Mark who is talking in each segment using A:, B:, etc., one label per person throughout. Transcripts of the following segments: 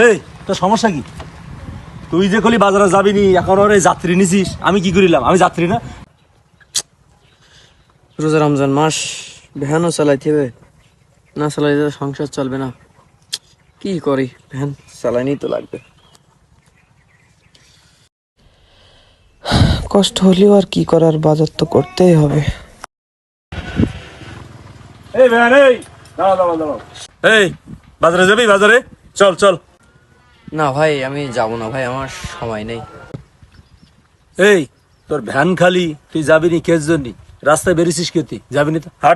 A: এই তোর সমস্যা কি? তুই যে কলি বাজারে যাবি নি, এখন ওর এই যাত্রী নিছিস, আমি কি করিলাম? আমি যাত্রী না?
B: রোজা রমজান মাস, ভ্যানও চালাইতে হবে, না চালাইতে সংসার চলবে না। কি করি, ভ্যান চালাইনি তো লাগবে। কষ্ট হলেও আর কি করার, বাজার তো করতেই হবে।
A: এই ভ্যান, এই দাঁড়া দাঁড়া দাঁড়া। এই বাজারে যাবি? বাজারে চল চল।
B: না ভাই, আমি যাব না ভাই, আমার সময় নেই।
A: এই তোর ভ্যান খালি, তুই যাবি নি কেস জন্য? রাস্তায় বেরিয়েছিস কে? তুই যাবি নি তো হাট।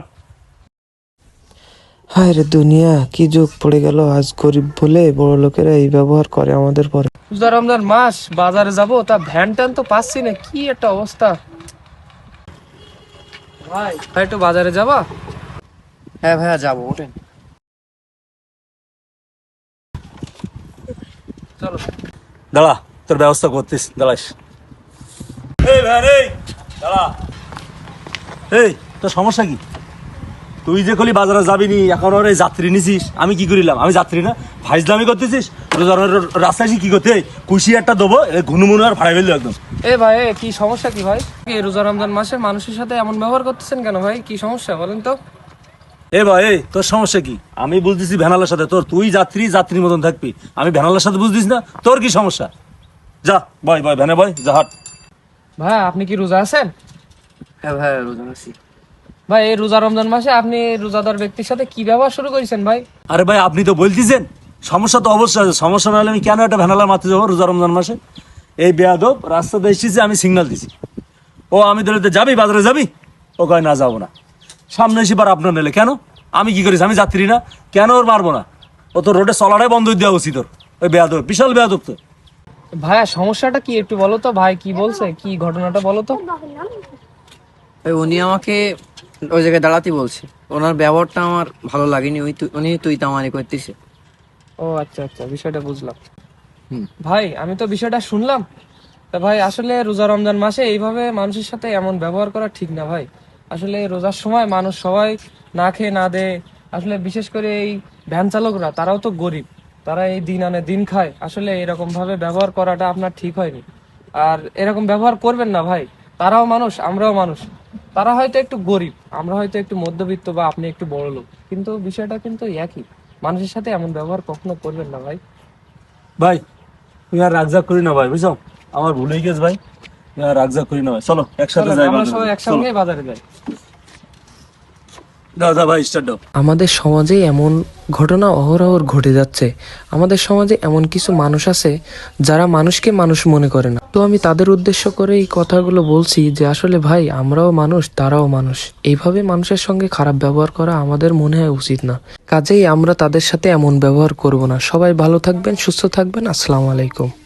B: হায় রে দুনিয়া, কি যুগ পড়ে গেল। আজ গরিব বলে বড় লোকেরা এই ব্যবহার করে আমাদের পরে।
C: রোজা রমজান মাস, বাজারে যাব, তা ভ্যান ট্যান তো পাচ্ছি না, কি একটা অবস্থা। ভাই ভাই একটু বাজারে যাবা?
B: হ্যাঁ ভাইয়া যাবো, ওঠেন।
C: চলো।
A: দাঁড়া, তোর ব্যবস্থা করতিস, দাঁড়াস। এই ভ্যান, এই দাঁড়া। এই তোর সমস্যা কি? তুই যে কলি বাজারে যাবি নি, এখন ওর এই যাত্রী নিছিস, আমি কি করিলাম? আমি যাত্রী না? ফাইজলামি করতেছিস? রাস্তায় কি করতে কুশি একটা দেবো, ঘুনুমুনু আর ফাড়াই ফেললো একদম।
C: এ ভাই, কি সমস্যা কি ভাই? এই রোজা রমজান মাসে মানুষের সাথে এমন ব্যবহার করতেছেন কেন ভাই? কি সমস্যা বলেন তো?
A: এ ভাই, এই তোর সমস্যা কি? আমি বুঝতেছি ভ্যানালার সাথে তোর, তুই যাত্রী যাত্রীর মতন থাকবি, আমি ভ্যানালার সাথে বুঝতিস না? তোর কি সমস্যা? যা বয় বয়, ভ্যানে বয়, যা হাট।
C: ভাই আপনি কি রোজা আছেন?
B: হ্যাঁ ভাইয়া রোজা আছি।
C: ভাই এই রোজা রমজান মাসে আপনি রোজাদার ব্যক্তির সাথে কি ব্যবহার শুরু করেছেন ভাই?
A: আরে ভাই, আপনি তো বলতেছেন সমস্যা, তো অবশ্যই আছে। সমস্যা না হলে আমি কেন একটা ভ্যানালার মারতে যাবো রোজা রমজান মাসে? এই বেয়াদব রাস্তাতে এসেছে, আমি সিগন্যাল দিছি, ও আমি ধরে যাবি বাজারে যাবি, ও কয় না যাবো না। সামনে এসে বার আপনার নিলে কেন? আমি কি করিস? আমি যাত্রী না? কেন ওর মারবো না? ও তো রোডে চলাটাই বন্ধ দেওয়া উচিত ওর। ওই বেয়াদব, বিশাল বেয়াদব তো।
C: ভাইয়া সমস্যাটা কি একটু বলো তো ভাই, কি বলছে, কি ঘটনাটা বলো তো।
B: উনি আমাকে ওই জায়গায় দাঁড়াতে বলছে, ওনার ব্যবহারটা আমার ভালো লাগেনি। উনি তুই তামানি করতেছে।
C: ও আচ্ছা আচ্ছা, বিষয়টা বুঝলাম। ভাই আমি তো বিষয়টা শুনলাম। তা ভাই আসলে রোজা রমজান মাসে এইভাবে মানুষের সাথে এমন ব্যবহার করা ঠিক না ভাই। আসলে রোজার সময় মানুষ সবাই না খেয়ে না দেয়। আসলে বিশেষ করে এই ভ্যান চালকরা, তারাও তো গরিব, তারা এই দিন আনে দিন খায়। আসলে এরকম ভাবে ব্যবহার করাটা আপনার ঠিক হয়নি। আর এরকম ব্যবহার করবেন না ভাই। তারাও মানুষ, আমরাও মানুষ। তারা হয়তো একটু গরিব, আমরা হয়তো একটু মধ্যবিত্ত, বা আপনি একটু বড় লোক, কিন্তু বিষয়টা কিন্তু একই। মানুষের সাথে এমন ব্যবহার কখনো করবেন না ভাই।
A: ভাই তুই আর রাগজাগ করি না ভাই, বুঝছো? আমার ভুল হয়ে গেছে ভাই, তুই আর রাগজাগ করি না ভাই। চলো একসাথে
C: চলেন,
A: যাই
C: আমরা
A: বাজারে।
C: সবাই
A: চলো।
C: একসঙ্গে বাজারে যাই।
A: দাও দাও ভাই, স্টার্ট দাও।
D: আমাদের সমাজে এমন ঘটনা অহরহ ঘটে যাচ্ছে। আমাদের সমাজে এমন কিছু মানুষ আছে যারা মানুষকে মানুষ মনে করে না। তো আমি তাদের উদ্দেশ্য করে এই কথাগুলো বলছি যে আসলে ভাই, আমরাও মানুষ, তারাও মানুষ। এইভাবে মানুষের সঙ্গে খারাপ ব্যবহার করা আমাদের মনে হয় উচিত না। কাজেই আমরা তাদের সাথে এমন ব্যবহার করব না। সবাই ভালো থাকবেন, সুস্থ থাকবেন। আসসালামু আলাইকুম।